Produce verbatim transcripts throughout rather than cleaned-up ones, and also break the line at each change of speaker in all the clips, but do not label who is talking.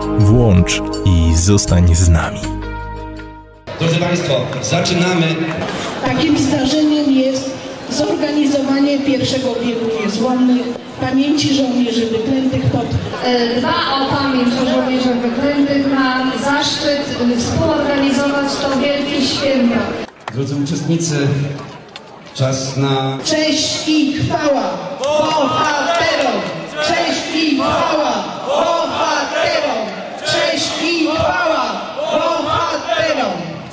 Włącz i zostań z nami.
Drodzy Państwo, zaczynamy.
Takim zdarzeniem jest zorganizowanie pierwszego biegu niezłomnych pamięci żołnierzy wyklętych pod...
Dba o pamięć o żołnierzach wyklętych, ma zaszczyt współorganizować to wielkie święto.
Drodzy uczestnicy, czas na...
Cześć i chwała bohaterom! Cześć i chwała bohaterom! Cześć i chwała bohaterom!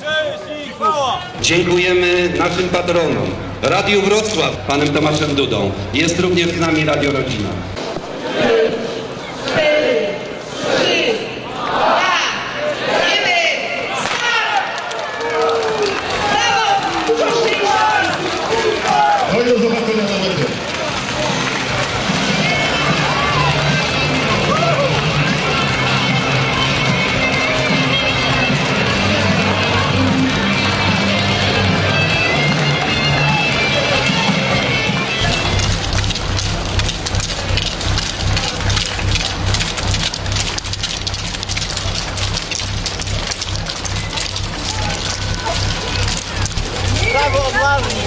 Dziękujemy naszym patronom, Radiu Wrocław, panem Tomaszem Dudą. Jest również z nami Radio Rodzina.
Do zobaczenia na mecie.
Brawo, odważni!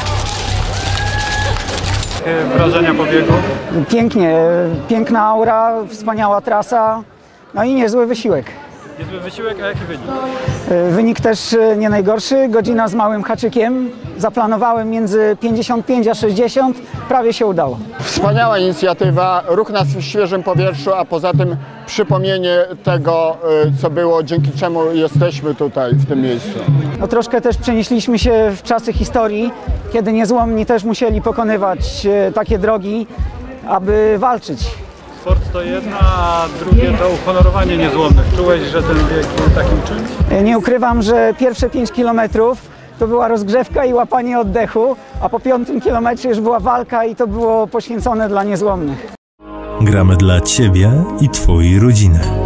Wrażenia po biegu?
Pięknie, piękna aura, wspaniała trasa, no i niezły wysiłek.
Niezły wysiłek, a jaki wynik?
Wynik też nie najgorszy, godzina z małym haczykiem. Zaplanowałem między pięćdziesiąt pięć a sześćdziesiąt, prawie się udało.
Wspaniała inicjatywa, ruch na świeżym powietrzu, a poza tym przypomnienie tego, co było, dzięki czemu jesteśmy tutaj, w tym miejscu.
No, troszkę też przenieśliśmy się w czasy historii, kiedy niezłomni też musieli pokonywać takie drogi, aby walczyć.
Sport to jedno, a drugie to uhonorowanie niezłomnych. Czułeś, że ten bieg był takim czymś?
Nie ukrywam, że pierwsze pięć kilometrów to była rozgrzewka i łapanie oddechu, a po piątym kilometrze już była walka i to było poświęcone dla niezłomnych.
Gramy dla Ciebie i Twojej rodziny.